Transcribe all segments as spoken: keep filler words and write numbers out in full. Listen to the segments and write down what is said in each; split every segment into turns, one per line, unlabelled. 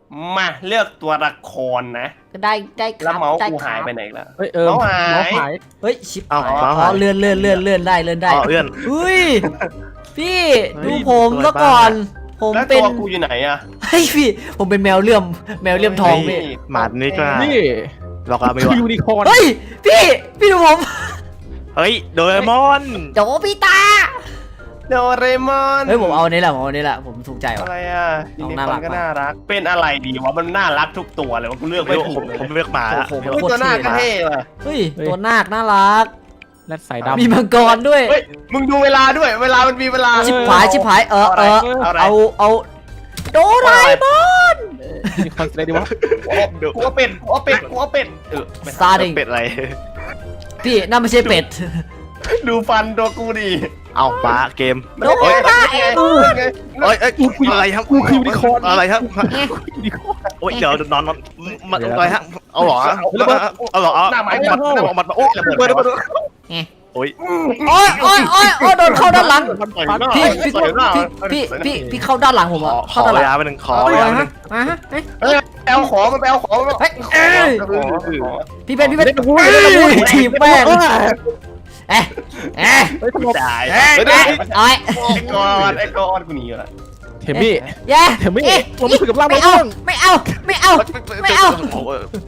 มาเลือกตัวละครนะ
ก็ได้ได้ค
แล้ว
รับ
เมาส์
ได้
กู
ค
หาย
รับ
ไปไหนแล้ว
เฮ้ยเออ
เมาส์หาย
เมาส์หาย
เฮ้ยชิป
เอ้า
หาย
เมาส์
อ๋
หา
อย เลื่อนเลื่อนเลื่อนเลื่อนได้เลื่อนได้
อ๋อเอื้อน
เฮ้ยพี่
เฮ้
ดู
ย
ผม
สวย
ซะก่อน ผม
แล้ว
เป็
ตั
น
วกูอยู่ไหนอะ
เฮ้ยพี่ผมเป็นแมวเลื่อมแมวเลื่อมทองพี่
หมานี่ก็
นี่
หลอกเอาไม่
คือ
วะ
ยูนิคอร์น
เฮ้ยพี่พี่ดูผม
เฮ้ยโดเรมอน
โจพี่ตา
โดเรมอน
เฮ้ยผมเอาอันนี้แหละผมเอาอันนี้แหละผมถูกใจว่ะ
อะไรอะยูนิ
น่า
คอ
รั
ร์
ก
นก็น่ารัก เป็นอะไรดีวะมันน่ารักทุกตัวเลยว่ากูเลือก
ไม่
ไม่
รู้
ถู
ผ
ก
ม
เลย
ผมเลือกหมาละ
โอ้โห
เฮ้ยตัวหน้าก็เท่ว่ะ
เฮ้ยตัวนาคน่ารัก
และสายดำ
มีมังกรด้วย
เฮ้ยมึงดูเวลาด้วยเวลามันมีเวลา
ชิบหายชิบหายเออเออ
เอาอะไร
เอาเอาโดราเอมอน
ยูนิคอร์นอะไรดีวะ
กูเอาเป็ดกูเอาเป็ดกูเอาเป็ดเออไม่
ซาดิง
เป็ดอะไร
พี่นั่นไม่ใช่เป็ด
ดูฟันตัวกูดิ
เอาปลาเกม
โดราเอมอน
ไง
เอ้ยเอ้ยอะไรครับ
กูคือยูนิคอร์น
อะไรครับ
ยูนิคอร์น
โอ้ยเดี๋ยวนอนนอนมันอะไรฮะเอาหรอเอาหรอเอา
หน้าไม้
มันมันมันโอ้ยระเบิดระเบิดโอ้ย
โอ้ยโอ้ยโอ้ยโอ้ยโดนเข้าด้านหลัง
มันต่อยหน้า
พี่พี่
ต่อยหน้า
พี่พี่พี่พี่เข้าด้านหลังผม
ขอ
อ่ะ
ข
เข้า
อ
ด้านหลัง
ยาไปหนึ่งขอ
เอา
ยา
เลย
ไปห
ฮะ
นึ่ง
มาฮะเฮ้ย
เฮ้ยไปเอาของมันไปเอาของมัน
เฮ้ยเอ้ย
เอาของเอาของ
พี่เป็นพี่เป็นเอ้ยทีมแป้งเอ๊ะเอ๊ะ
เฮ้ยทำไม
จ่าย
เอ๊ะเอ๊ะเอ้ย
ไอ้กอนไอ้กอนกูหนีละ
เทมมี่
แย่
เทมมี่ผมรู้สึกกับร่าง
ไม่
ไม่
เอา
ต้อง
ไม่เอาไม่เอาไม่เอา
ตัว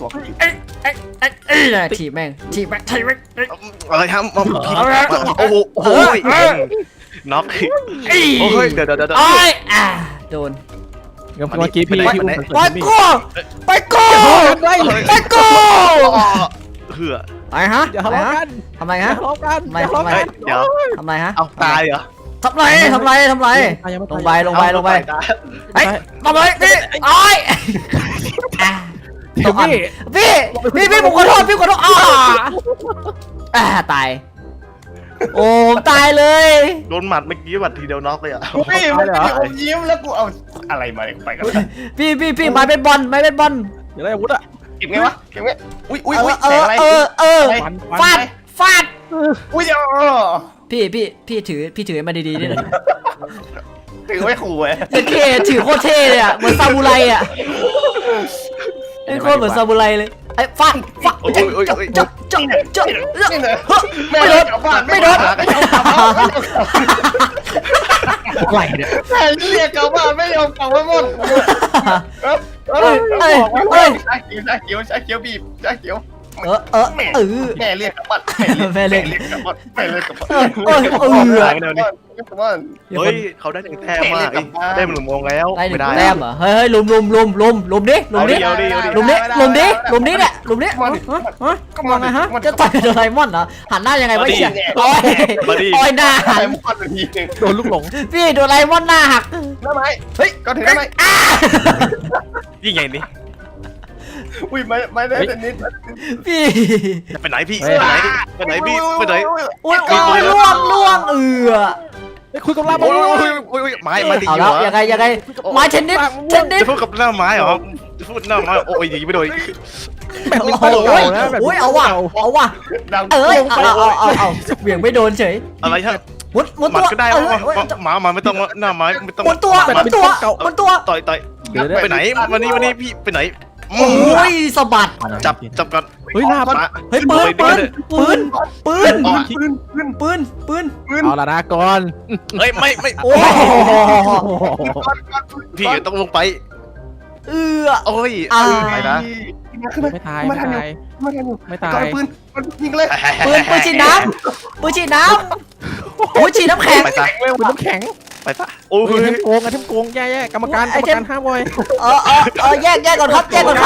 เอ้ยเอ้ยเอ้ยเอ้ยทีมแม่งทีมแม่งทีมแม่ง
อะไรครับโอ้โหโอ้ยน็อกโอ้ยเดี๋ยวเดี๋ยวเดี๋ยว
โอ้ยอ่าโดน
เมื่อกี้พี่ที่อุ้ม
ไปกูไปกูไปกู
เหือ
ไปฮะ
อย่าทะเลาะกัน
ทำไม
อย่า
ฮะ
ทะเลาะกัน
ไม่
อย่าทะเลาะ
ไม่
กัน
เดี๋ยว
ทำไรฮะ
เอาตายเหรอ
ทำไรทำไรทำไรลงไปลงไปลงไป
เฮ้ย
ทำไรพี่โอ้ย
เทมมี่
พี่พี่พี่ผมขอโทษพี่ขอโทษอ่าอ่าตายโอ้ตายเลย
โดนหมัดเมื่อกี้หมัดทีเดียวน็อกเลยอ่ะ
พี่มันมีอมยิ้มแล้วกูเอาอะไรมาไปกัน
พี่พี่พี่ไม้เป็นบอลไม้เป็นบอล
อย่าได้อาวุธอ่ะ
เก็บไงวะเก็บไงอุ้ยอุ้ย
เอ
อุ้
อย เอ
แสง
อ
อะไร
เออเออ
ฟัน
ฟาดฟาด
อุ้ยเออ
พี่พี่พี่ถือพี่ถือมาดีๆนี่หน่อย
ถือไว้ขู่ไว้
เท่ถือโคตรเท่เลยอ่ะเหมือนซามูไรอ่ะไอ้โคตรเหมือนซามูไรเลยไอ้ฟาดฟาดจ๊ะจ๊ะจ๊ะจ๊ะจ๊ะ
นี่เลย
ไม่โดนไม่โดน
ไม่ยอมกลับบ้าน
ไหลเนี่ย
แม่เรียกกลับบ้านไม่ยอมกลับบ้านหมดเอ้ยเอ้ย
เอ้ยเอ้ย
ชาเขียวชาเขียวชาเขียวบีบชาเขียว
เออเออเออ
แม่เรียกกลับบ้าน
แม่เรียก
กลับบ้านแม่เรียกกลับบ้าน
เออเออเออ
บ้าน
เฮ้ยเขาได้หนึ่งแต้มมากได้หนึ่งโมงแล้ว
ได้หนึ่
ไม่
ง
ได้
แต้มเหรอเฮ้ยเฮ้ยลุมลุมลุมลุมลุมดิลุมดิ
เอาดิเอาดิ
ลุมดิลุมดิลุมดิเนี่ยลุมดิฮะฮะก็มาไงฮะจะต่อยโดราเอมอนเหรอหันหน้ายังไงวะเชี่ยโอ้ยโอ้ยหน้าหั
ไอ้
น
มอนมันยิง
โดนลูกหลง
พี่โดราเอมอนหน้าหัก
ได้ไหมเฮ้ยก็ถือได้ไหม
อ้า
ยิ่งใหญ่นี่
อุ้ยไม่ไม่ได้แต่นิด
พี่
ไปไหนพี่ไปไหนไปไหนพี่ไปไหน
อุ้ยโอ้ยล่วงล่วงเอือ
ไอ้คุยกับร่าง
โอ้
ไม่
ย
ต้อง
โอ้ยโอ้ยไม้มาตี
เอา
อยู่
แล้ว
เหรอ
ยังไงยังไงไม้เทนนิสเทนนิส
จะพูดกับหน้าไม้เหรอจะพูดหน้าไม้โอ้ยยิงไม่โดน
แบบ
โอ้
นี้
โห
เก่านะแบบ
อุ้ยเอาว่ะเอาว่ะ
ดัง
เอ้ยเอาเอาเอาเอาเบี่ยงไม่โดนเฉย
อะไรฮะ
มุดมุด
มั
ตัว
ก็ได้หมามาไม่ต้องหน้าไม้ไม่ต้อง
มุดตัวมุดตัวมุดตัว
ต่อยต่อยไปไหนวันนี้วันนี้พี่ไปไหน
โอ้ยสะบัด
จับจับกัน
เฮ้ยหน้ามัน
เฮ้ยปืนปืนปืนปืน
ปืนปืน
ปืนปืน
ปืน
เอาละนะก่อน
เฮ้ยไม่ไม่
โอ้
พี่ต้องลงไป
เอือ
โอ้ย
อ่า
ไปนะ
ไม่ตายไม่ตาย
ไม่ทันอยู่
ไม่ตาย
ปืนมันยิงเลย
ปืนปืนฉีดน้ำปืนฉีดน้ำโอ้ยฉีดน้ำแข็ง
ไปซะ
คุณน้ำแข็ง
ไปซะโอ้
เฮ้ย
ย
เทมโกงอะเทมโกงแย่ๆกรรมการกรรมการห้ามไว้
เออเออเออแยกแยกก่อนครับแยกก่อนครับ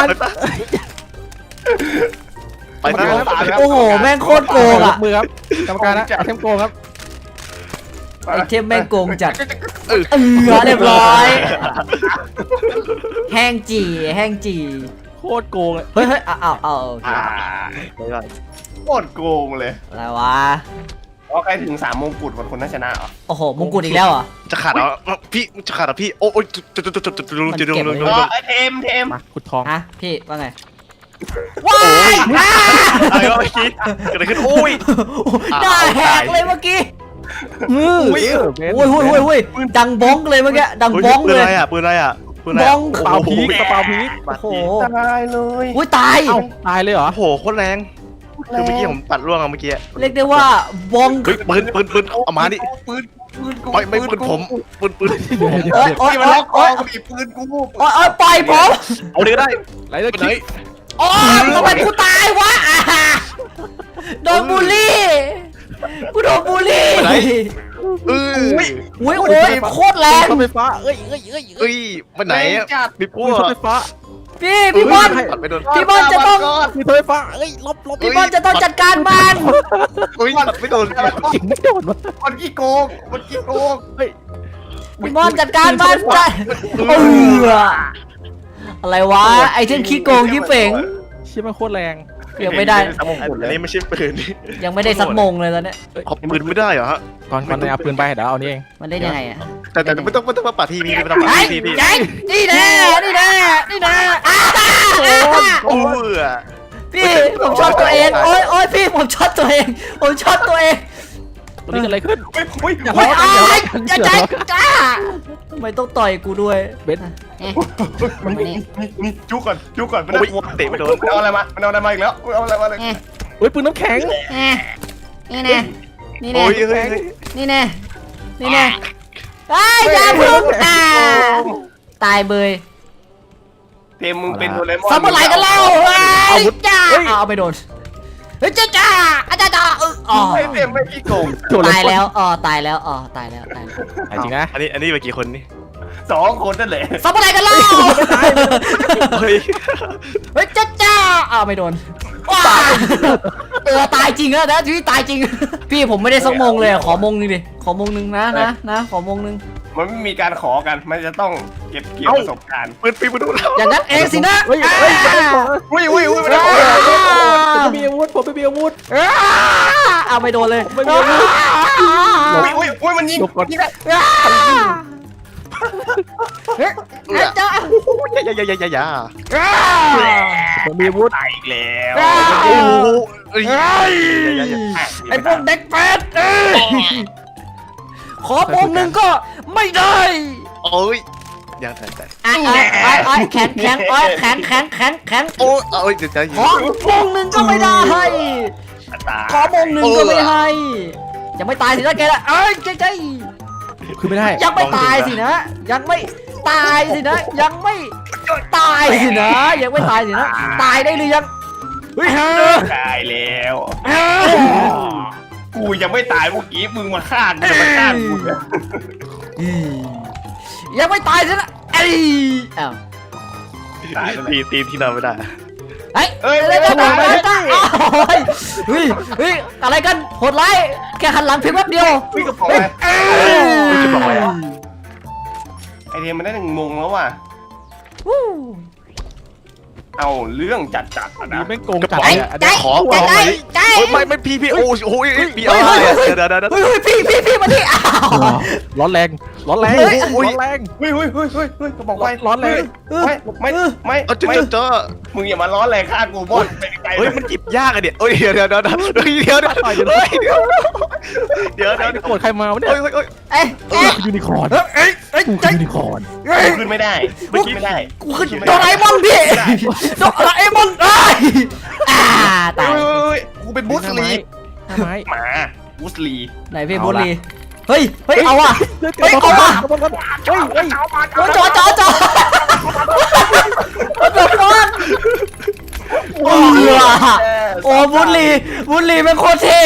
ไปซะ
โอ้โหแม่งโคตรโกง
ย
อ่ะ
กมือครับกรรมการนะเทมโกงครับ
ไอเทมแม่งโกงจัดเอือเรียบร้อย แห้งจีแห้งจี
โคตรโกงเลย
เฮ้ยเฮ้ยเอาเอาเอาโอเค
โคตรโกงเลย
อะไรวะ
เพราะใครถึงสามมงกุฎคนคนนั้นชนะเหรอ
โอ้โหมงกุฎอีกแล้วเหรอ
จะขาดเหรอพี่จะขาดเหรอพี่โอ้ยจุดจุดจุดจุดจุดจุดจุดจุด
อ๋อเทมเทม
มาขุดทอง
ฮะพี่ว่าไงว้ายอ่า
อะไรวะเมื่อกี้เกิดอะไรขึ้นโอ้ย
หน้าแหกเลยเมื่อกี้
อุ้ย
โอ้ยโอ้ยโอ้ยโอ้ยดังบ้องเลยเมื่อกี้ดังบ้อง
ปื
เล
น
ย
อะไรอ่ะปืนอะไรอ่ะคุณ
บ
แล้
อ
ว
ง
เปล่าพีกกระเป๋าพีก
โอ้โห
ตายเลย
อุ้ยตาย
เอ้าตายเลยเหรอ
โอ้โหโคตรแรงคือเมื่อกี้ผมปัดร่วงอะเมื่อกี้
เรียกได้ว่าบอง
เฮ้ยปืนปืนปืนเอามาดิ
ปืนปืนกู
ไม่ไม่ปืนผมปืนปืน
โอ๊ยโอ๊ย
นี่มัน
โอ๊
ล็
ย
อกค
โอ๊
อย กูดิปืนกู
โอ๊ยโอ๊ยปล่อยผม
เอาเดี๋ยวได้
ไรเลย
ไปไหน
คิด
โอ๊ยทำไมกูตายวะอ่าโดนบูลลี่กูโดนบูลลี่
เออ
อุ้ยโอ้ยโคตรแรง
เข้าไฟฟ้าเอ้ยเอ้ยเอ้ยเอ้
เอ้
ย
ยไปไหนอะ
จัด
มีพว
อุ้ย
ก
เข้าไฟฟ้า
พี่พี่บอล
ปัดไปโดน
พี่บอลจะต้อง
มีไฟฟ้าเอ้ยลบลบ
พี่บอลจะต้องจัดการมัน
เฮ้ยปัดไม่โดน
จริงไม่โดนวะ
มันขี้โกงมันขี้โกง
พี่บอลจัดการมันจะเอออะไรวะไอเทมขี้โกงขี้เป๋ง
เชี่ยมันโคตรแรง
ยังไม่ได้
อันนี้ไม่ใช่ปืน
ยังไม่ได้สักมงเลยตอนเนี้ย
เอาปืนไม่ได้เหรอฮะ
ก่อนก่อนเอาปืนไปเดี๋ยวเอานี่เอง
มันได้ยังไงอ่ะ
แต่แต่ไม่ต้องไม่ต้องมาปัดทีวีไม่ต้องปัด
ไอ้
ทีวี
ไอ้นี่แน่นี่แน่นี่แน่อ้า
โอ้ย
พี่ผมช็อตตัวเองโอ้ยโอ้ยพี่ผมช็อตตัวเองผมช็อตตัวเอง
ตอนนี้เกิดอะไรขึ้น
เฮ้ยเฮ้ย
อย่า
โอ้
ล้
ย
อ
อ้า
กัน
ย
อย่า
จะ
ล้อ
ใจ
กัน
จ้าทำไมต้องต่อยกูด้วย
เบน
มันนี่นี่จุกก่อนจุกก่อนมัน
โอ้ยเตะไม่โดน
เอาอะไรมามันเอาอะไรมาอีกแล้วเอาอะไรมาเลย
เฮ้ยปืนน้ำแข็ง
นี่แน่นี่แน่
โอ้ยเฮ้ย
นี่แน่นี่แน่ไอ้ยาพึ่งอ่าตายเบย
เทมมึงเป็นโดเรมอน
ซัมเมอร์ไลกันแล้วไอ้จ้าเอาไปโดนเฮ้ยจ้าจ้าอาจารย์จ้าเอออ๋อ
ไม่เทมไม่ขี้โกง
โดนเลย
ตายแล้วอ๋อตายแล้วอ๋อตายแล้วตายแล้ว
จริงนะ
อันนี้อันนี้ไปกี่คนนี่
สองคนนั่นแหละ
ซัมเมอร์ไลกันแล้ว
เฮ้ย
เฮ้ยจ้าจ้าอ้าวไม่โดนว้าเออตายจริงอะนะพี่ตายจริง พี่ผมไม่ได้สักมงเลยอะขอมงหนึงดิขอมงหนึงนะนะนะขอมงหนึง
มันไม่มีการขอกันมันจะต้องเก็บเกี่ยวประสบการณ์
ปืนปีมาดูแล้ว
อย่างนั้นเองสินะ
เฮ้ยเฮ้ยไม่ได้บอกนะ
อุ้ยอุ้ยอุ้ยไม่ได้
ผมไม่มีอาวุธผมไม่มีอาวุธ
อ้าเอาไม่โดนเลย
ไม่โดน
อุ้ยอุ้ยอุ้ยมันยิง
หลบก่อน
ยิงได้
อ้าเฮ้ยเฮ้ยจ้า
อย่าอย่าอย่าอย่าอย่า
อ้า
ผมมีอาวุธ
ตายอีกแล้ว
อ้า
โอ้โหเอ้ย
เฮ้ย
อย่าอย่าอย่า
ไอ้พวกเด็กแฟดเอ้ยขอมงหนึ่งก็ไม่ได้
โอ้ยยังแต่แต่
อ้อยอ้อยอ้อยอ้อยแข็งแข็งอ้อยแข็งแข็งแข็งแข็ง
โอ้ยเอ้ยเดี๋ยวจะ
ขอมงหนึ่งก็ไม่ได้
ตาย
ขอมงหนึ่งก็ไม่ให้ยังไม่ตายสินะแกละเอ้ยใจใจ
คือไม่ได้
ยังไม่ตายสินะ ยังไม่ตายสินะ ยังไม่ตายสินะ ยังไม่ตายสินะ ตายได้หรือยังเฮ้ยฮะ
ตายแล้วกูยังไม่ตายเมื่อกี้มึงมาฆ่ากูจะมาฆ่ากูเนี่ย
ยังไม่ตายสินะเอ้ยอ้าว
ตายแล้ว
ทีทีมที่นอนไม่ได้
เฮ้ยเฮ้ยเฮ้ยเฮ้ยเฮ้ยเฮ้ยเฮ้ยอะไรกันโหดร้ายแค่หันหลังเพียงแป๊บเดียว
วิ่งกระป๋อง
เฮ้ย
เลย
เอ้ย
จะบอกอะไรอ่ะ
ไอเทมมันได้หนึ่งโมงแล้วว่ะ
วู้
เอาเรื่องจัดจัดๆอะ
นี่
นะ
แม่งโกงจัด
ใจ
เลยอะ
ใจ
ขอ
ใจ
ขอ
ใจ
ไหม
ใจ
โอ้ยไม่ไม่พี่พี่โอ้ยโอ้ยพี่
เฮ้
เอา
ย
อะไร
เฮ้ย
เดี๋ยวเดี๋ยวเดี๋ยว
เฮ้ยเฮ้ยพี่พี่พี่มาที่อ้าว
ร้อนแรงร้อนแรง
เฮ้ย
ร้อนแรง
เฮ้ยเฮ้ยเฮ้ยเฮ้ยเฮ้ยกระบอกไฟ
ร้อนแรง
ไม่ไม่ไม่
เอาจุด
ไม่
จุดเจอ
มึงอย่ามาร้อนแรงฆ่ากูบอสไปไกลๆ
เฮ้ยมันหยิบยากอะเดี๋ยวเฮ้ยเดี๋ยวเดี๋ยวเดี๋ยวเดี๋ยวเดี๋ยวเดี๋ยวเฮ้ยเดี๋ยวเดี๋ยวเดี๋ยวเดี๋ยว
โกรธใครมาวะเนี่ย
เฮ้ยเฮ้ยเฮ้ย
เอ้ยเอ้ย
ยูนิคอร์น
เอ้ยเอ้ย
กู
ใจ
คือยูนิคอร์น
เอ้ย
ขึ้นไม่ได้ไม่ขึ้นไม่ได้
กูขึ้นโดราเอมอนพี่โดราเอมอนเอ้ยอ่าตาย
เฮ้ยกูเป็นบูสลี
ทำไม
หมาบูสลี
ไหนพี่บุรีเฮ้ยเฮ้ยเอาว่ะ เฮ้ยเอาว่ะ
เฮ้ยเฮ้ย
โอ้จอจอจอเดือดร้อนโอ้โอ้บุรีบุรีเป็นโคตรเท่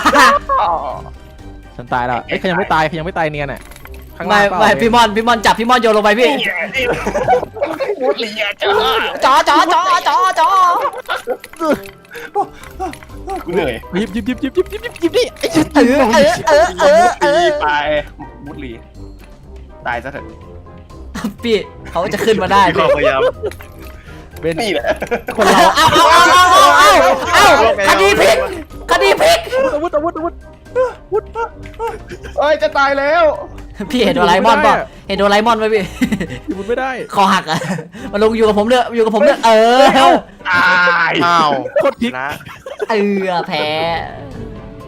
ฉันตายแล้วเอ้ยใครยังไม่ตายใครยังไม่ตายเนียนอ่ะข้าง
ไม่
ล่างเปล่า
ไม่พี่มอนพี่มอนจับพี่มอนโยนลงไปพี่
บูสลีอะจ้า
จอจอจอจอจอ
กูเหนื่อย
หยิบหยิบหยิบหยิบหยิบหยิบหยิบหยิบดิไอ้ชิบ
เออเออเออเออเออ
ไปบูสลีตายซะเถอะ
พี่เขาจะขึ้นมาได้
พี่ก็พยายาม
เป็น
นี่แหละ
คนเรา
เอาเอาเอาเอาเอาเอาเอาคดีพลิกคดีพลิก
อาวุธอาวุธอาวุธอาวุธ
เอ้ยจะตายแล้ว
พี่เห็นโดราเอมอนป่ะเห็นโดราเอมอนไหมพี่
หยิบอาวุธไม่ได้
คอหักอ่ะมาลงอยู่กับผมเนอะอยู่กับผมเนอะเออ
ตาย
อ้าว
โคตรพลิก
นะ
เออแพ้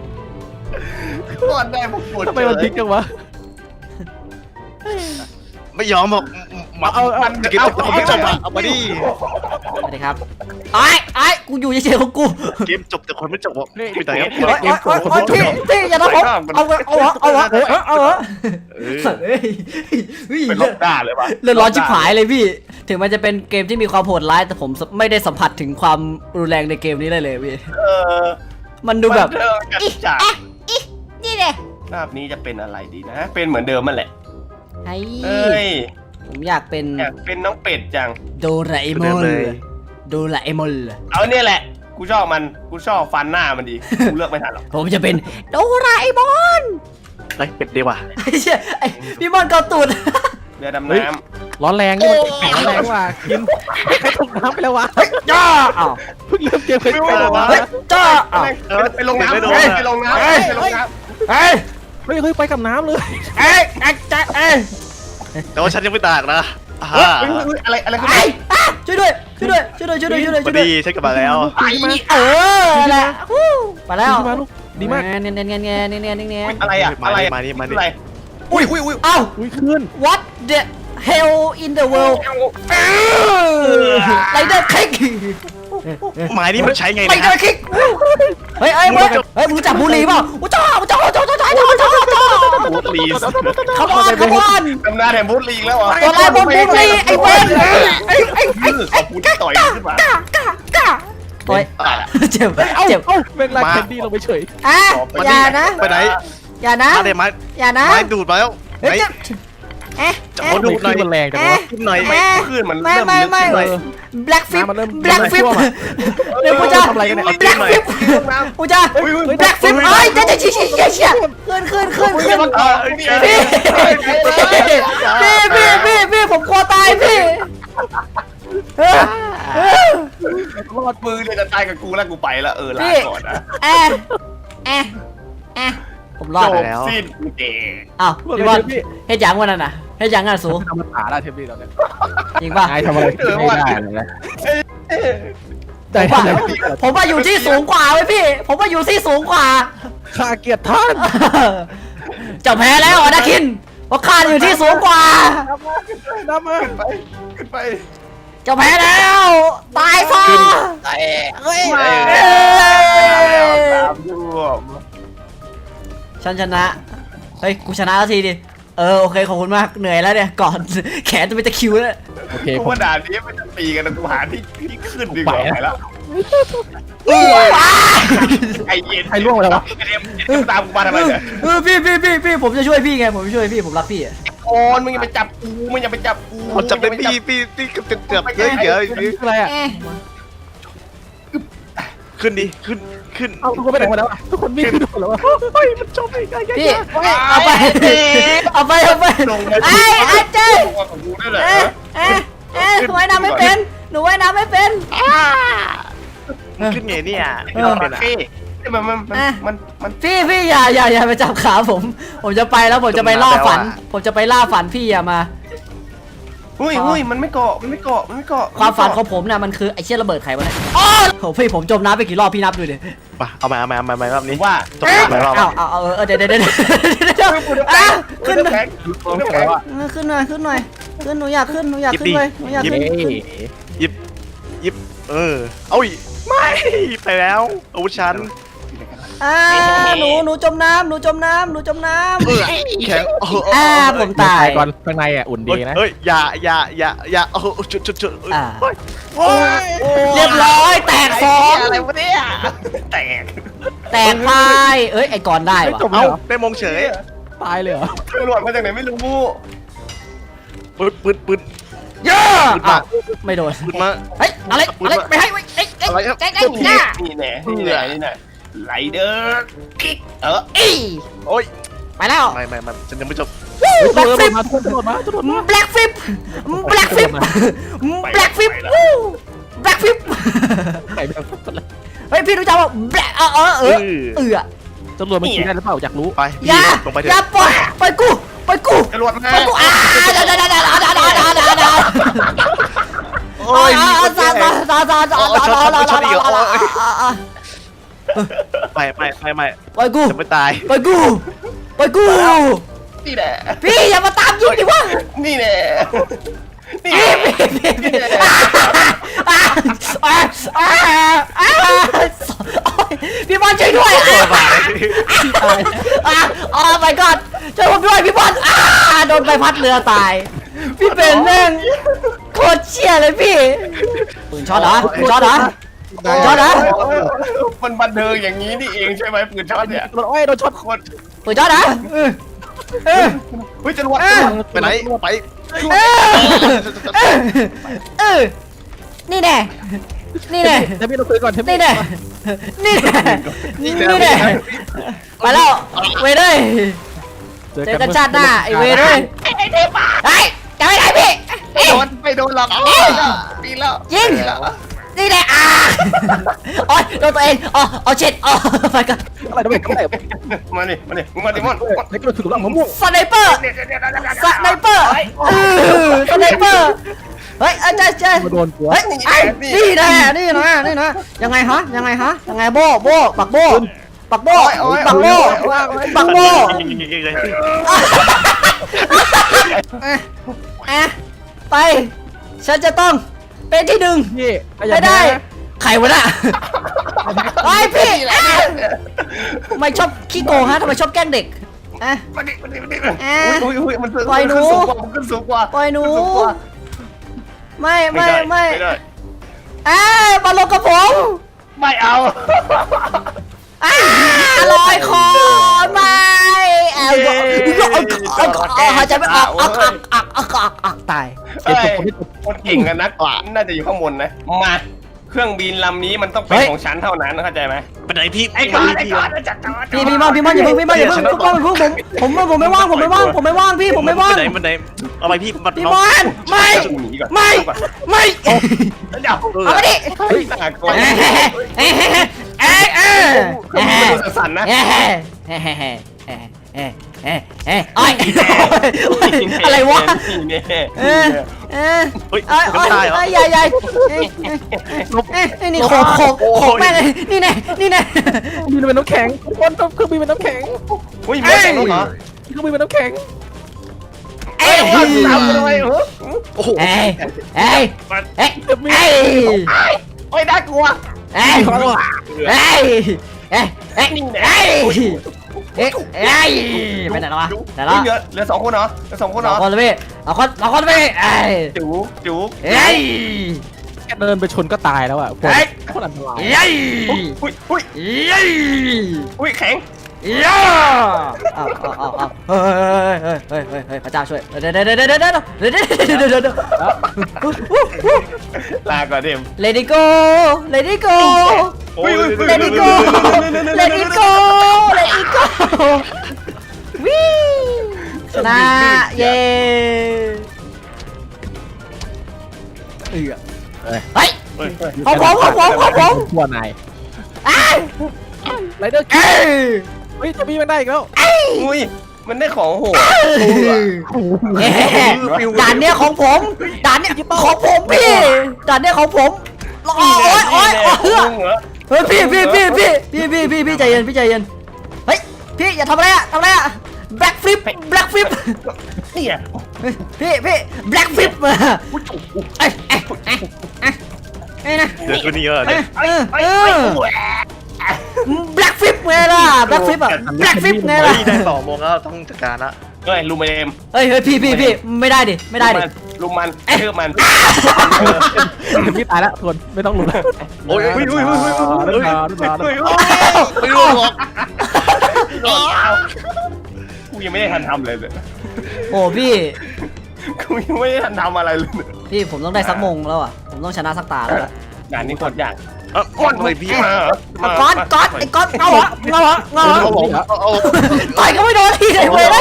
ก่อนได้ผมปวด
ทำไมมันพลิกจังวะ
ไม่ยอมบอกมาเอาเอาจะเก็บจบไม่จบอ่ะเอามาดิ
สวัสดีครับไอ้ไอ้กูอยู่เฉยๆของกู
เกมจบแต่คนไม่จบอ่ะไม่แต่ครับ
โอ๊ยโอ๊ยโอ๊ยโอ๊ยพี่พี่อย่าทำผมเอาวะเอาวะเอาวะเอาวะสัตว์เอ้ยเฮ้ย
เป็นลบด้าเลยวะ
เลือดร้อนชิบหายเลยพี่ถึงมันจะเป็นเกมที่มีความโหดร้ายแต่ผมไม่ได้สัมผัสถึงความรุนแรงในเกมนี้เลยเลยพี่
เออ
มันดูแบบ
เออกันจาก
นี่เลย
ภาพนี้จะเป็นอะไรดีนะ เป็นเหมือนเดิมมันแหละ
ไอ้
เอ้ย
ผมอยากเป็น
อยากเป็นน้องเป็ดจัง
โดราเอมอนโดราเอมอน
เอาเนี่ยแหละ กูชอบมัน กูชอบฟันหน้ามันดี กูเลือกไม่ทันหรอก
ผมจะเป็นโดราเอมอน
ไอ้เป็ดดีว่ะ
ไอ้เชี่ยไอ้พี่มอนเกาตูด
เรือดำน้
ร้อนแรงนี่มันแข็งร้อนแรงว่ะกินใครตกน้ำไปแล้ววะ
จ้าอ้าว
เพิ่งเริ่มเกมเคยไปแล้ววะ
เฮ้ยจ้าอ้าว
ำไปลงน้ำ
ไม่โดน
ไปลงน้ำไปลงน้ำ
เฮ้ย
เฮ้ยเฮ้ยไปกับน้ำเลย
เอ้ยไอ้จ้าเอ้ย
แต่ว่าฉันยังไม่ตากนะอ่า
เฮ้ยเฮ้ยอะไรอะไรขึ้น
ไอ้
มา
อ่ะช่วยด้วยช่วยด้วยช่วยด้วยช่วยด้วยช่วยด้วย
พ
ช่
อ
วยด้วย
ดีฉันกลับมาแล้ว
ไอ้
เออแหละฮู้ไปแล้ว
ดีมากลูกดีมาก
เนียนเนียนเนียนเนียนเนียนเนียนเนียน
อะไรอะอะไรอะ
มานี่มานี่
อะไร
อุ้ยอุ้ยอุ้ย
เอ้า
อุ้ยขึ้น
what the hell in the world ไรเดอร์คิก
หมายนี่มันใช้ไง
ไร
เนี่ย
เดอร์คิกเฮ้ยเฮ้ยมึงเฮ้ยมึงจับบุหรี่เปล่าอุ้ยจ้าจ้าจ้าจ้าจ้าจ้าจ้าจ้า
บูธลีส
ขบวนขบวน
ตำนานแห่งบูธลีกแล้วเหรอ
ตัวลายบนบุหรี่ไอ้เว้ยไอ้ไอ้ไอ้
ขอบคุณที่ต่อยขึ้นมา
ก้ากล้ากล้าโอ้ยเจ็บ
เอ้า
เจ็บ
เอ้าแม่งลากแคนดี้ลงไปเฉย
อ่ะอย่านะ
ไปไหน
อย่านะ
มาเลยไม้
อย่านะ
ไม้ดูดมาแล้ว
เฮ้ย
ไม้
เอ๊ะ
จะ
เอ๊ะ
เอาดูดหน่อย
มันแรงจังวะ
ขึ้นหน่อย
ไม่ขึ้นมัน
ไม่
เริ่ม
ไม่
ลึก
ไม่
ขึ้นหน่อย
black flip
น้ำมันเริ่ม
black flip
เริ่มท่วมอะ
เดี๋ยวกูจะ
ทำอะไรกันเนี่ย
black flip กูจะ black flip เอ้ยเดี๋ยวเดี๋ยวเชี่ยเชี่ยเชี่ยขึ้นขึ้นขึ้นขึ้น
เออ
พี่พี่พี่พี่พี่ผมกลัวตายพี่เออเออ
รอดมือเนี่ยจะตายกับกูแล้วกูไปแล้วเออลา
พี่
ก่อนนะ
แอะแอะแอะผมรอด
จบสิ้นกูเจ
อ้าวพี่บอลเฮ็ดหยังวันนั้นน่ะเฮ็ดหยังอ่ะสู
ทำมันขาได้เทปนี้ตอนเนี้ย
จริงป่ะ
นายทำอะไรไม่ได้เลยนะ
ผมว่าผมว่าอยู่ที่สูงกว่าเว้ยพี่ ผมว่าอยู่ที่สูงกว่า
ข้าเกียรติท่าน
เจ้าแพ้แล้วอ่ะนะคินเพราะข้าอยู่ที่สูงกว่า
น้ำมา
ไปขึ้นไป
เจ้าแพ้แล้ว ตายซะ
เฮ้ย
เอ้ย
ตามรวม
ฉันชนะ เฮ้ย กูชนะแล้วทีดิ เออ โอเค ขอบคุณมาก เหนื่อยแล้วเนี่ย ก่อน แขนจะเป็นตะคริวแล้ว
โอเค
กู
ผม
ว่าด่านนี้มันจะตีกันนะกูหาที่ที่ขึ้นดีกว่าไปแล้ว
ว้า
ไอเย็น
ใครล่วงไปแล้ววะ
ไอเอ็มเอ็มตามกูมาทำไมเนี่ย
เออพี่พี่พี่พี่ผมจะช่วยพี่ไง ผมจะช่วยพี่ ผมรักพี่อะ
โอนมึงอย่าไปจับกูมึงอย่าไปจับกู
มันจะเป็นพี่พี่พี่เกือบเกือบเยอะเยอะ
นี่คืออะไรอ่ะ
เอ๊ะ
ขึ้นดิขึ้นขึ้น
เอาทุกคนไปไหนหมดแล้วอะทุกคนวิ่งขึ้นหมดแล้วอะเฮ้ยมันจมไปไกลๆ
พี่ เอาไป เอาไป เอาไป
ลงมา
ไอ้ไอ้เจ้
ลงมาของกูได้เลย
เอ๊ะเอ๊ะเอ๊ะว่ายน้ำไม่เป็น หนูว่ายน้ำไม่เป็น
ขึ้นไงเนี่ย
เออ
เป็นอะ
พี่มันมันมันมันมัน
พี่พี่อย่าอย่าอย่าไปจับขาผม ผมจะไปแล้วผมจะไปล่าฝัน ผมจะไปล่าฝันพี่อย่ามา
อุ้ยอุ้ยมันไม่เกาะมันไม่เกาะมันไม่เกาะ
ความฝันของผมเนี่ยมันคือไอ้เชี่ยระเบิดไขวะเนี่ยโอ้โหพี่ผมจมน้ำไปกี่รอบพี่นับดูดิ
มาเอามาเอามาเอามาเอามารอบนี้
ว่า
ตกไปรอบ
เอาเอาเอาเออเดี๋ยวเดี๋ยวเดี๋ยวเดี๋ยวอ่ะขึ้นหน่อย
แข็ง
ต้องแข็งว่ะ
เออขึ้นหน่อยขึ้นหน่อยขึ้นหนูอยากขึ้นหนูอยากขึ้นเลยหนูอยาก
เย้
ขึ้น
หยิบหยิบเออเอ้ยไม่ไปแล้วอาวุธฉัน
อ่าหนูหนูจมน้ำหนูจมน้ำหนูจมน้ำ
เออแข็งโอ้โห
อ่าผมตาย
ก่อนข้างในอ่ะอุ่นดีนะ
เฮ้ยอย่าอย่าอย่าอย่าโอ้โหจุดจุดจุด
อ่า
เฮ้ย
โอ้ย
เรียบร้อยแตกสอง
อะไรวะเนี่ยแตก
แตกพายเอ้ยไอ้กอนได้วะ
จบ
เอ้า
แล้วเหรอ
ได้มงเฉย
ตายเลยเหรอ
ตำรวจมาจากไหนไม่รู้
ปืนปืนปืน
เยอะ
ปืนมา
ไม่โดน
ปืนมา
เฮ้ยอะไรอะไรไม่ให้ไม่เอ้ยเอ้ย
อะไรครับ
เอ้ยเอ้ยหน้า
นี่แน่นี่แน่นี่แน่ไหลเดอร์คิกเออ
อี
โอ้ย
ไปแล้ว
ไม่ไม่ไม่ฉันยังไม่จบ
แบล็กฟลิป
มาทุกคนตำรวจมาตำรวจมา
แบล็กฟลิปแบล็กฟลิปแบล็กฟลิปแบล็กฟลิป
ไก่แบบ
เฮ้ยพี่รู้จักว่าแบล็กเออเออเออเออ
ตำรวจมันขี่ได้หรือเปล่าอยากรู้
ไป
อย่า
ลงไปเถ
อย่า
อะ
ปล่อยปล่อยกูปล่อยกู
ตำรวจมา
ปล่อยกูอ่าดาดาดาดาดาดาดาดาดาดา
โอ้ย
อ่าซาซาซาซาซาซาซา
ไม่ไม่ไม่ไม่
ปล่อยกู
จะไม่ตาย
ปล่อยกูปล่อยกู
นี่แหละ
พี่อย่ามาตามยิงดิวะ
นี่แหละนี่
พี่พี่พี่อ่าอ่าอ่าอ่าพี่บอลช่วยด้วยอ่าอ่าอ๋อ my god ช่วยผมด้วยพี่บอลอ่าโดนใบพัดเรือตายพี่เป็นแม่งโคตรเชี่ยเลยพี่ปืนช็อตเหรอปืนช็อตเหรอปืนช็อตเหรอ
มันบันเทิงอย่างนี้นี่เองใช่ไหมปืนช็อตเนี่ย
โดนอ้อยโดนช็อต
โคตร
ปืนช็อตเหรอเออเออ
เฮ้ยจรวด
ไปไหนไป
เออเออนี่แน่นี่แน่
เทมี่เราคุยก่อนเทมี่
นี่แน่นี่แน่นี่แน่ไปแล้วเว้ยเลย เจอกันชาติหน้าไอเวรเลยไอเทพไอ้จะไม่ได้พี่
ไม่โดนไม่โดนหรอกปีแล้ว
ยิงนี่แหละอ่าโอ๊ยโดนตัวเองอ๋ออ๋อเช็ดอ๋อไปกัน
อะไรทำไมทำไม
มาดิมาดิมึงมาดิมอน
เล็กเราถือหลังมะม่วง
สไนเปอร์สไนเปอร์เออสไนเปอร์เฮ้ยอาจารย์เจ
มาโดนหัว
เฮ้ยไอ้นี่นะนี่นะนี่นะยังไงฮะยังไงฮะยังไงโบโบปักโบปักโบปักโบปักโบอ่ะไปฉันจะต้องเป็นที่หนึ่ง
พี่
ไม่ได้ใครวะน่ะไอ้พี่ไม่ชอบขี้โกงฮะทำไมชอบแกล้งเด็กอ่ะ
มาดิมาดิมาดิอุ้ยอุ้ยมันขึ้นสูงกว่ามันขึ้นสูงกว่า
ปล่อยหนูไม่ไม่ไม่
ได้
อ่ามาลงกับผม
ไม่เอา
อ่าลอยคอไม่เอาเอาหายใจไม่ออกอักอักอักอักอักอักตาย
เอ้ยคนเก่งกันนักน่าจะอยู่ข้างบนนะมาเครื่องบินลำนี้มันต้องเป็นของฉันเท่านั้นเข้าใจไหม
ไปไหนพี่
ไอ้ก้อนไอ้ก้อนจัดจอ
พี่พี่มอนพี่มอนอย่าเพิ่งพี่มอนอย่าเพิ่งพี่มอนผมผมผมไม่ว่างผมไม่ว่างผมไม่ว่างพี่ผมไม่ว่าง
ไปไหนไปไหนอะไรพี่บัตร
พี่มอนไม่ไม่ไม่
เดี๋ยว
เอาไปดิ
เฮ้ยน่ากลัว
เอ้เอ้เอ้เอ้
เครื่องบินสั่นนะ
เอ้เอ้เอ้เอ้เอ้เอ้เอ้เอ้ไอ้อะไรวะ
นี่
เออเออ
เฮ้ย
ไอ้ไอ้
ไม่ได้เหรอ
ไอ้ใหญ่ใหญ่เอ้เอ้ไอ้นี่โขกโขกโขกแม่เลยนี่แน่นี่แน่
บินเป็นน้ำแข็งคนเครื่องบินเป็นน้ำแข็ง
อุ้ยไม่ใช่เหรอ
เครื่องบินเป็นน้ำแข็ง
เอ้ย
ตามเลยเหรอ
โอ้โห
เอ้ยเอ้ยเอ้ยเอ้ย
โอ้ยน่ากลัว
เอ้ยเอ้ยเอ้ยเอ้ยเอ้ยเอ้ยเอ้ยไปไหนแล้ววะไหนแล้ว
เหลือเหลือสองคนเหรอเหลือสองคน
ส
เหร
อ
อง
คนเลยพี่สองคนสองคนพี่เอ้ย
จูจู
เอ้ย
แค่เดินไปชนก็ตายแล้วอ่ะคนคนอันตราย
เอ้ย
อุ้ยอุ้ย
เอ้ย
อุ้ยแข็ง
ย่าอ้าวอ้าวอ้าวอ้าวเฮ้ยเฮ้ยเฮ้ยเฮ้ยเฮ้ยพระเจ้าช่วยเดี๋ยวเดี๋ยวเดี๋ยวเดี๋ยวเดี๋ยวเดี๋ยวเดี๋ยวเดี๋ยวเดี๋ยวเดี๋ยว
ลาก่อนเดม
Let it go Let it go
อุ้ย
Let it go Let it go Let it go วิ่งชนะเย้เอ้ยเฮ้ยของผมของผมของผม
ทั่วนาย
อ้าว
ไรเดอร์
เอ้ย
เฮ้ยจะมีมันได้อีกแล้ว
อุ้ยมันได้ของโหด
เอ๊ะด่านเนี้ยของผมด่านเนี้ยของผมพี่ด่านเนี้ยของผมโอ้ยโอ้ยโอ้ยเฮ้ยเฮ้ยพี่พี่พี่พี่พี่พี่พี่พี่ใจเย็นพี่ใจเย็นเฮ้ยพี่อย่าทำอะไรอะทำอะไรอะ black flip black flip
นี่อ่ะ
พี่พี่ black flip มาเอ้ยเอ้ยเอ้ยเอ้ยเอ้ยนะ
เดี๋ยวตัวนี้เยอะ
เอ
เลย
อเออเออ black flip ไงล่ะ black flip อะ black flip ไงล่ะ
เฮ้ยได้สองโมงแล้วต้องจัดการละ
เฮ้ยลูมเอม
เฮ้ยเฮ้ยพี่พี่พี่ไม่ได้ดิไม่ได้ดิ
ลุมมันเชื่อมัน
จะมีตายแล้วทนไม่ต้องลุ้น
โอ้ย
อุ้ยอุ้ยอุ้ยอุ้ย
เดินมาเดินมาเดินมา
ไม่รู้หรอก
กูยังไม่ได้ทันทำเลยเลย
โอ้พี่
กูยังไม่ได้ทันทำอะไรเลย
พี่ผมต้องได้สักมงแล้วอ่ะผมต้องชนะสักตาแล้วล่ะ
งานนี้โคตรยาก
เอ้าก้อนเลยพี่
มา
เอาก้อนก้อนไอ้ก้อนเอาเหรอเอาเหรอเอาเหรอ
เอาผมเอา
ต่อยก็ไม่โดนทีเลยเว้ย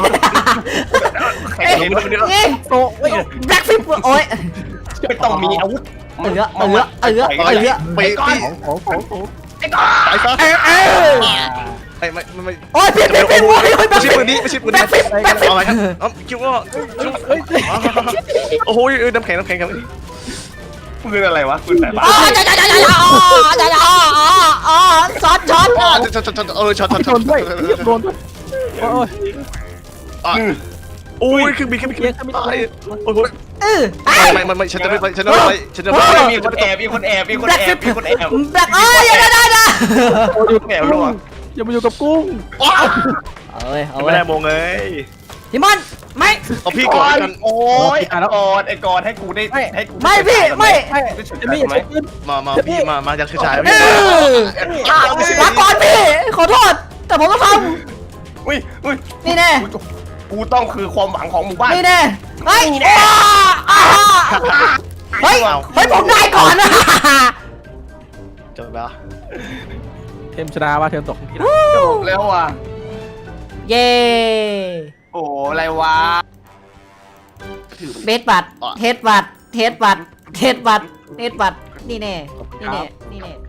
เอ้ย
เห็นมัน
เอ้ย
โอ้ย
แบล็คฟิปโอ้ย
ไม่ต้องมีอาวุธ
เออเออเออเออ
ไปพี่
ของของของ
ไอ้ก้อน
ไปซะ
เออเออ
ไอ้ไม่ไม่
โอ้ยพี่พี่พี่โอ้ยโอ้ยแบ
ไม่
ล็ค
ใช่
ฟิ
ปื
ป
นนี้ไม่ใช่ปืน
แบล็
นี้
คฟิปแบล็คฟิป
เอาอะไรครับเอ้าคิดว่า
เฮ้ย
โอ้โหน้ำแข็งน้ำแข็งครับ
ปืนอะไรวะปืนแต่บ้า
อ๋อจ้าจ้าจ้าจ้าอ๋อจ้าจ้าอ๋ออ๋อช็อตช็อต
ช็อตช็อตช็อตเออช็อตช็อต
โดนด้วยโดนด้วยโอ้ย
โอ้ยเครื่องบินเครื่องบินเครื่องบินตายโอ้ย
เออ
ไม่ไม่ไม่ฉันจะไม่ไปฉันจะไม่ไปฉันจะไม่ไป
มีคนแอบมีคนแอบมีคนแอบมีคนแอบ
แบล็คเอ้ยอย่าได้นะ
อยู่แอบรัว
อย่ามาอยู่กับกุ้ง
เอาเว้ยเอา
ไม่
เว้ย
ได้มงเลย
พี่มอนไม่
เอาพี่
ก่
ก่
อ
อน
น
กัน
โอ้ยไอ้กอนไอ้กอนให้กูได้ให้กู
ไม่พี่ไม่
จะมีอะไรขึ้น
มามาพี่มามาจากชาย
เอ
พี่
อลาก่อนพี่ขอโทษแต่ผมต้องท
อุ้ยอุ้ย
ำนี่แน่
กูต้องคือความหวังของหมู่บ้าน
นี่แน่เฮ้ยเฮ้ยเฮ้ยผมได้ก่อนนะ
จบแล้ว
เทมชนะว่าเทมตกที่
จบแล้วว่ะ
เย้
โอ้อะไรวะ
เบสบัตเทสบัตเทสบัตเทสบัตเทสบัตนี่แน่นี่แน่นี่แน่